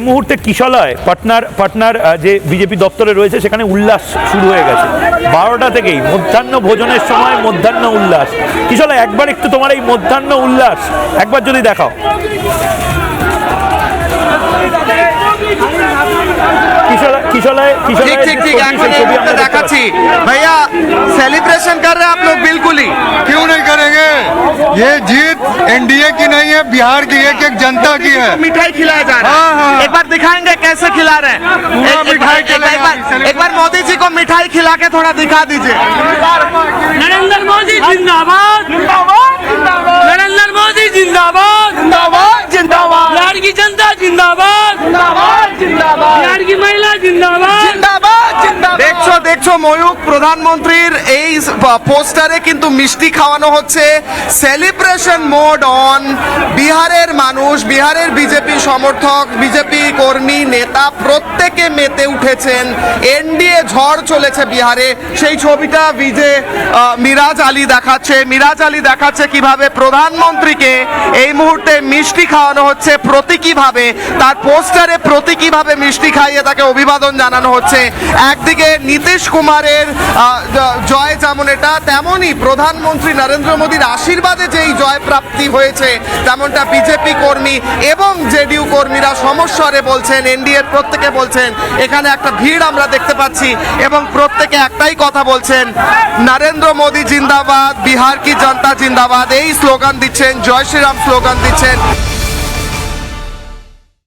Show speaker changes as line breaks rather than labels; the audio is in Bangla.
মুহূর্তে কিশলয় পাটনার যে বিজেপি দপ্তরে রয়েছে সেখানে উল্লাস শুরু হয়ে গেছে 12টা থেকেই মধ্যাহ্ন ভোজনের সময় মধ্যাহ্ন উল্লাস। কিশলয় একবার একটু তোমার এই মধ্যাহ্ন উল্লাস একবার যদি দেখাও।
ठीक ठीक ठीक दिखाची भैया सेलिब्रेशन कर रहे हैं आप लोग बिल्कुल ही।
क्यों नहीं करेंगे? ये जीत एनडीए की नहीं है, बिहार की एक एक जनता की है।
मिठाई खिलाया जा रहा है।
हाँ।
एक बार दिखाएंगे कैसे खिला रहे हैं।
मिठाई चलेगा।
एक बार मोदी जी को मिठाई खिला के थोड़ा दिखा दीजिए।
नरेंद्र मोदी जिंदाबाद नरेंद्र मोदी जिंदाबाद
जिंदाबाद
बिहार की जनता जिंदाबाद बिहार की महिला जिंदाबाद
দেখছো ময়ূক প্রধানমন্ত্রীর এই পোস্টারে কিন্তু মিষ্টি খাওয়ানো হচ্ছে। Celebration mode on. বিহারের মানুষ, বিহারের বিজেপি সমর্থক, বিজেপি কর্মী, নেতা প্রত্যেকে মেতে উঠেছেন। এনডিএ ঝড় চলেছে বিহারে, সেই ছবিটা মিরাজ আলী দেখাচ্ছে কিভাবে প্রধানমন্ত্রীকে এই মুহূর্তে মিষ্টি খাওয়ানো হচ্ছে প্রতীকীভাবে। তার পোস্টারে প্রতীকীভাবে মিষ্টি খাইয়ে তাকে অভিবাদন জানানো হচ্ছে। একদিকে নীতিশ কুমারের জয় যেমন এটা, তেমনই প্রধানমন্ত্রী নরেন্দ্র মোদীর আশীর্বাদে যেই জয় প্রাপ্তি হয়েছে তেমনটা বিজেপি কর্মী এবং জেডিইউ কর্মীরা সমস্বরে বলছেন, এনডিএর প্রত্যেকে বলছেন। এখানে একটা ভিড় আমরা দেখতে পাচ্ছি এবং প্রত্যেকে একটাই কথা বলছেন, নরেন্দ্র মোদী জিন্দাবাদ, বিহার কি জনতা জিন্দাবাদ, এই স্লোগান দিচ্ছেন, জয় শ্রীরাম স্লোগান দিচ্ছেন।